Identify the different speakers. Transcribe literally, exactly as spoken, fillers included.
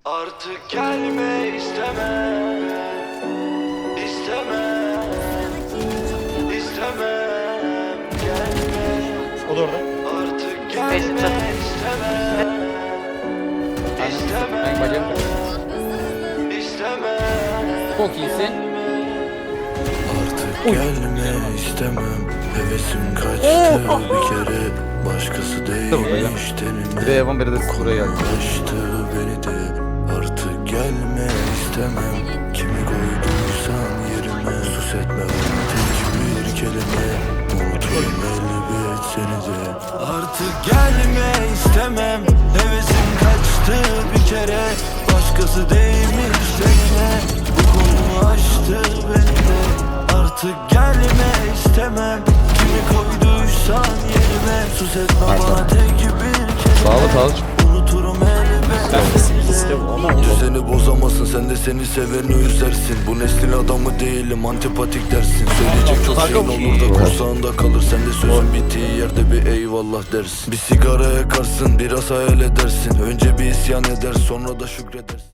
Speaker 1: Artık gelme istemem, istemem, istemem, gelme.
Speaker 2: O da orada.
Speaker 1: Artık gelme istemem, istemem,
Speaker 3: Ben bacağım
Speaker 1: istemem.
Speaker 3: çok iyisin.
Speaker 1: Artık gelme istemem, hevesim kaçtı bir kere. Başkası değilmiş tenime.
Speaker 3: Bir de yaban beri de buraya geldi.
Speaker 1: Kaçtı beni de, artık gelme istemem. Kimi koyduysan yerime, sus etme bana tek bir kelime. Unutayım elbet seni de. Artık gelme istemem, hevesim kaçtı bir kere. Başkası değilmiş tenime, bu konu açtı beni de. Artık gelme istemem, kimi koyduysan yerime, sus etme bana tek bir kelime.
Speaker 3: Sağlı sağlı.
Speaker 1: Unuturum elbet. Düzeni bozamazsın, sen de seni seveni üzersin. Bu neslin adamı değilim, antipatik dersin. Söyleyecek çok şeyin olur da kursağında kalır. Sen de sözün bittiği yerde bir eyvallah dersin. Bir sigara yakarsın, biraz hayal edersin. Önce bir isyan eder, sonra da şükredersin.